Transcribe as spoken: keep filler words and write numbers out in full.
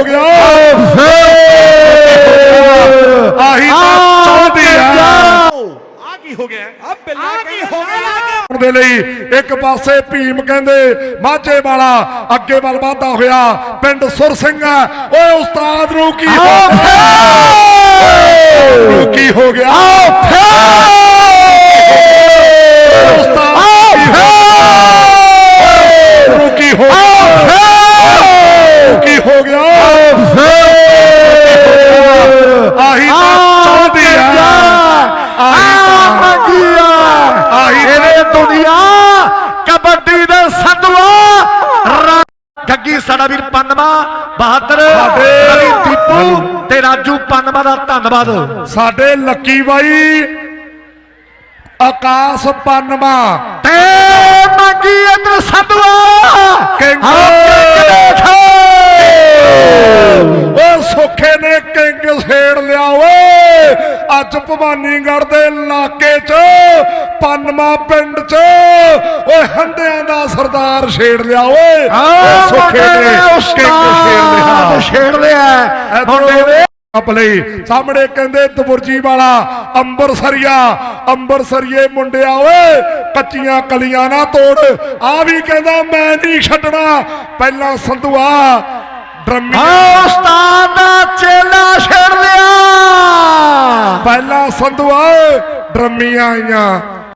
ਹੋ ਗਿਆ ਆਹੀ ਤਾਂ ਚਾਹੁੰਦੀ ਆ ਆ ਕੀ ਹੋ ਗਿਆ ਆ ਬਿੱਲਾ ਕੀ ਹੋ ਗਿਆ ਦੇ ਲਈ ਇੱਕ ਪਾਸੇ ਭੀਮ ਕਹਿੰਦੇ ਮਾਝੇ ਵਾਲਾ ਅੱਗੇ ਵੱਲ ਵਾਧਾ ਹੋਇਆ ਪਿੰਡ ਸੁਰ ਸਿੰਘ ਓਏ ਉਸਤਾਦ ਨੂੰ ਕੀ ਹੋ ਗਿਆ ਕੀ ਹੋ ਗਿਆ ਉਸਤਾਦ ਨੂੰ ਕੀ ਹੋ ਕੀ ਹੋ ਗਿਆ ਆਹੀ ਤਾਂ ਚਾਹੁੰਦੀ ਆ ਦੁਨੀਆ ਕਬੱਡੀ ਦੇ ਸਦਵਾ ਗੱਗੀ ਸਾਡਾ ਵੀਰ ਪੰਨਵਾ ਬਹਾਦਰ ਰਵੀ ਦੀਪੂ ਤੇ ਰਾਜੂ ਪੰਨਵਾ ਦਾ ਧੰਨਵਾਦ। ਸਾਡੇ ਲੱਕੀ ਬਾਈ ਆਕਾਸ਼ ਪੰਨਵਾ ਤੇ ਮੰਗੀ ਇਧਰ ਸਦਵਾ ਓ ਸੁੱਖੇ ਨੇ ਕਿੰਗ ਛੇੜ ਲਿਆ ਓਏ ਅੱਜ ਭਵਾਨੀਗੜ੍ਹ ਦੇ ਇਲਾਕੇ ਚ ਪੰਨਵਾ ਪਿੰਡ ਚ ਓਏ ਹੰਡਿਆਂ ਦਾ ਸਰਦਾਰ ਛੇੜ ਲਿਆ ਓਏ ਸੁੱਖੇ ਨੇ ਕਿੰਗ ਛੇੜ ਲਿਆ ਛੇੜ ਲਿਆ ਮੁੰਡੇ ਨੇ ਲਈ ਸਾਹਮਣੇ ਕਹਿੰਦੇ ਦਬੁਰਜੀ ਵਾਲਾ ਅੰਬਰਸਰੀਆ ਅੰਬਰਸਰੀਏ ਮੁੰਡਿਆ ਓਏ ਕੱਚੀਆਂ ਕਲੀਆਂ ਨਾ ਤੋੜ ਆ ਵੀ ਕਹਿੰਦਾ ਮੈਂ ਨਹੀਂ ਛੱਡਣਾ ਪਹਿਲਾਂ ਸੰਧੂਆ ਡਰਮੀ ਉਸਤਾਦ ਦਾ ਚੇਲਾ ਛੇੜ ਲਿਆ ਪਹਿਲਾਂ ਸੰਧੂਆ ਡਰਮੀਆਂ ਆਈਆਂ